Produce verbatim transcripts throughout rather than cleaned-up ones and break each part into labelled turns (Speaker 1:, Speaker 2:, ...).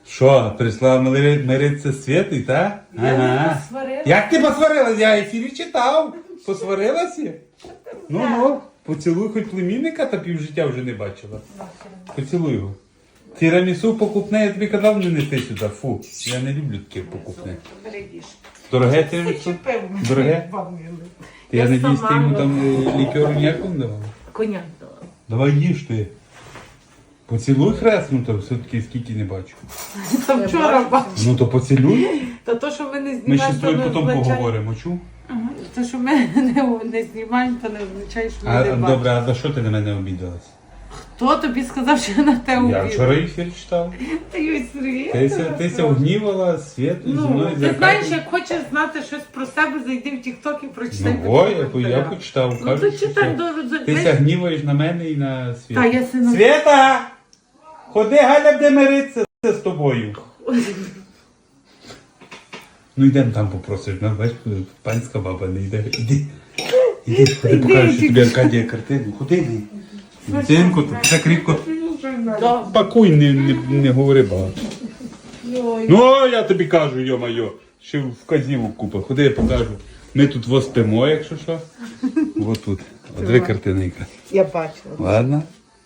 Speaker 1: Що, прийшла мири- миритися з Світою, так?
Speaker 2: Я не посварилася.
Speaker 1: Як ти посварилась? Я ефірі читав. Посварилася? Ну, ну, поцілуй хоч племінника, та півжиття вже не бачила. Поцілуй його. Тірамісу покупне, я тобі казав, не неси сюди. Фу, я не люблю таке покупне.
Speaker 2: Берегіш.
Speaker 1: Дороге тірамісу? Дороге? Я,
Speaker 2: Я
Speaker 1: надіюсь, ти йому
Speaker 2: сама
Speaker 1: там е, лікеру ніякого не давала?
Speaker 2: Коняк дала.
Speaker 1: Давай їж ти. Поцілуй хресно, то все-таки скільки не бачу.
Speaker 2: Там вчора бачила.
Speaker 1: Ну то поцілуй.
Speaker 2: Та то, що ми не
Speaker 1: Ми
Speaker 2: знімаємо,
Speaker 1: ще з
Speaker 2: то
Speaker 1: тобою
Speaker 2: не
Speaker 1: потім
Speaker 2: означає...
Speaker 1: поговоримо, чув?
Speaker 2: Ага. То, що ми не, не знімаємо, то не означає, що ми
Speaker 1: А,
Speaker 2: не бачимо.
Speaker 1: добре, а за що ти на мене обідалась?
Speaker 2: Хто тобі сказав, що я на те
Speaker 1: Я
Speaker 2: увірю?
Speaker 1: вчора ефір читав.
Speaker 2: Та Юй, Сергій,
Speaker 1: Ти ся, ти ся гнівала Світу зі
Speaker 2: Ну,
Speaker 1: мною
Speaker 2: ти
Speaker 1: за
Speaker 2: знаєш,
Speaker 1: Катю.
Speaker 2: як хочеш знати щось про себе, зайди в тік-ток і прочитай.
Speaker 1: Ну, ой, я, по- я почитав.
Speaker 2: Ну,
Speaker 1: Кажуть,
Speaker 2: то
Speaker 1: що
Speaker 2: читай
Speaker 1: все.
Speaker 2: до...
Speaker 1: Ти ся гніваєш на мене і на Світу.
Speaker 2: Та, я сину...
Speaker 1: Світа! Ходи, Галя буде миритися з тобою. Ну йдемо там попросиш. Ну, бач, панська баба не йде. Іди. Іди, ходи, покажеш що тобі Аркадія картину. Ходи, йди. Дитинку, тут так рідко.
Speaker 2: Да.
Speaker 1: Пакуй, не, не, не говори багато.
Speaker 2: Йой.
Speaker 1: Ну, я тобі кажу, йо-майо, ще вказівок купа. Ходи, я покажу. Ми тут во спимо, якщо що. Ось тут. От дві картинки.
Speaker 2: Я бачила.
Speaker 1: Ладно.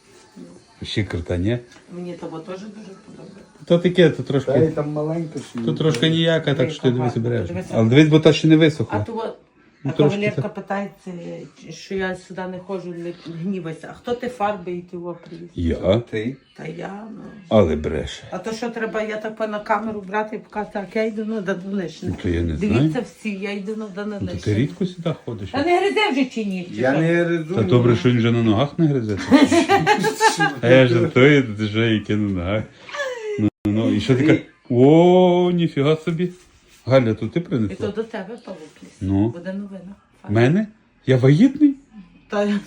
Speaker 1: Ще карта, ні?
Speaker 2: Мені того теж дуже подобається.
Speaker 1: То таке, то
Speaker 3: Та й
Speaker 1: трошки.
Speaker 3: там маленька ще.
Speaker 1: То трошки ніяка, так що ти дивись береш.
Speaker 2: Дивися.
Speaker 1: Але дивись, бо та ще не
Speaker 2: А
Speaker 1: висохла.
Speaker 2: то от,
Speaker 1: Ну,
Speaker 2: а
Speaker 1: трошки
Speaker 2: кавалерка
Speaker 1: так.
Speaker 2: питається, що я сюди не ходжу, не гнівайся. А хто ти фарби і ти його привіз?
Speaker 1: Я?
Speaker 3: Ти?
Speaker 2: Та я, ну.
Speaker 1: Але бреше.
Speaker 2: А то що треба, я так на камеру брати і показати, як я йду на Данилишне.
Speaker 1: Ну, то я не
Speaker 2: Дивіться
Speaker 1: знаю.
Speaker 2: всі, я йду на
Speaker 1: Ну, то ти
Speaker 2: Данилишне.
Speaker 1: рідко сюди ходиш.
Speaker 2: Та не гризе вже чи ні? чи
Speaker 3: Я
Speaker 2: що?
Speaker 3: не резу.
Speaker 1: Та добре, що він вже на ногах не гризе. А я жартую, ти вже яке на ногах. Ну, ну, ну, і що ти кажеш? О, ніфіга собі. Галя, то ти
Speaker 2: І то
Speaker 1: принесла?
Speaker 2: до тебе павук ліс.
Speaker 1: Ну.
Speaker 2: Буде новина.
Speaker 1: Мене? Я вагітний?
Speaker 2: Та,
Speaker 1: Ні?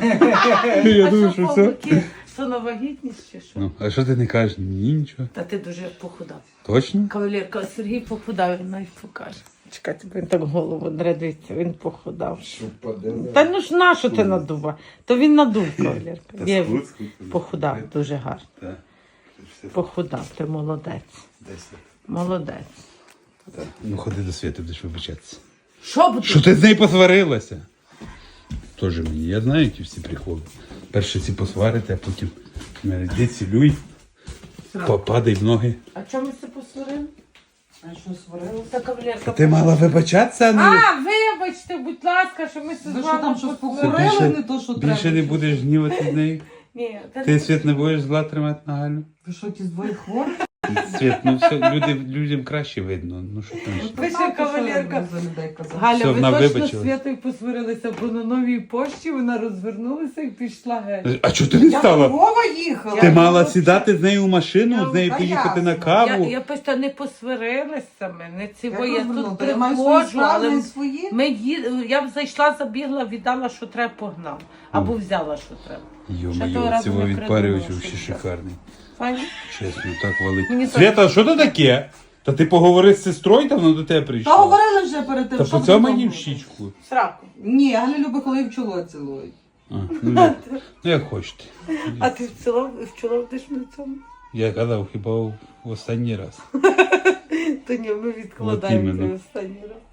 Speaker 1: Я
Speaker 2: а
Speaker 1: думаю,
Speaker 2: що
Speaker 1: що все.
Speaker 2: павуки? То на вагітність чи що?
Speaker 1: Ну, а що ти не кажеш? Ні, нічого.
Speaker 2: Та ти дуже похудав.
Speaker 1: Точно?
Speaker 2: Кавалерка, Сергій похудав, він навіть покаже. Чекайте, бо він так голову дредиться, він похудав.
Speaker 3: Що подивила?
Speaker 2: Та ну ж на що ти надува? То він надув, кавалерка.
Speaker 1: Та
Speaker 2: Є,
Speaker 1: скут, скут.
Speaker 2: похудав дуже гарно.
Speaker 1: Так.
Speaker 2: Похудав, ти молодець. Молодець.
Speaker 1: Так. Ну ходи до Світи, будеш вибачатися.
Speaker 2: Що буде?
Speaker 1: Що ти з нею посварилася? Тоже мені. Я знаю, які всі приколи. Перше ці посварити, а потім йди цілюй, попадай в ноги.
Speaker 2: А чому ми це посварили? А що сварили? Та кавалерка.
Speaker 1: Ти мала вибачатися, а не...
Speaker 2: А, вибачте, будь ласка, що ми це з
Speaker 4: Ви що
Speaker 2: вами
Speaker 4: там щось
Speaker 2: посварили.
Speaker 4: поговорили, не то, що треба?
Speaker 1: Більше не будеш гнівати з нею?
Speaker 2: Ні, та
Speaker 1: Ти,
Speaker 2: не-
Speaker 1: Світ, не будеш зла тримати на Галю?
Speaker 4: Ви що, ті двоє хворі?
Speaker 1: Світ, ну все, люди, людям краще видно. Ну що там ще?
Speaker 2: Ви ще кавалерка.
Speaker 4: За людей казав.
Speaker 2: Галя,
Speaker 1: Все,
Speaker 2: ви
Speaker 1: вона
Speaker 2: точно
Speaker 1: вибачилась.
Speaker 2: з Святою посварилися, бо на новій пошті вона розвернулася і пішла геть.
Speaker 1: А чого ти не
Speaker 4: Я
Speaker 1: стала?
Speaker 4: Вова їхала.
Speaker 1: Ти мала сідати з нею в машину, з нею
Speaker 4: Та
Speaker 1: поїхати на
Speaker 4: ясно.
Speaker 1: каву.
Speaker 2: Я, я просто не посварилася ми, не цього,
Speaker 4: Я
Speaker 2: я
Speaker 4: розвернула.
Speaker 2: тут
Speaker 4: Та я маю свої
Speaker 2: приходжу,
Speaker 4: справи,
Speaker 2: але
Speaker 4: не свої.
Speaker 2: ми ї- я б зайшла, забігла, віддала, що треба, погнав. Або взяла, що треба. Ще того
Speaker 1: Йо-моє,
Speaker 2: разу
Speaker 1: цього
Speaker 2: не
Speaker 1: відпарювач
Speaker 2: придумала,
Speaker 1: взагалі
Speaker 2: що це.
Speaker 1: шикарний.
Speaker 2: Файно?
Speaker 1: Чесно, так валить.
Speaker 2: Мені
Speaker 1: Свята, що це таке? Та ти поговори з сестрою, та вона до тебе прийшла.
Speaker 4: Та говорили вже перед тим,
Speaker 1: Та
Speaker 4: що
Speaker 1: по цьому
Speaker 4: ви
Speaker 1: мені в
Speaker 4: там
Speaker 1: щічку.
Speaker 2: Сраку.
Speaker 4: Ні, Галя любить, коли в чоло цілують.
Speaker 1: А, ну, як, ну як хочете.
Speaker 2: А ти в цілому, в чоло будеш на цьому?
Speaker 1: Я казав, хіба в в останній раз.
Speaker 2: То ні, ми відкладаємо
Speaker 1: іменно.
Speaker 2: це останній раз.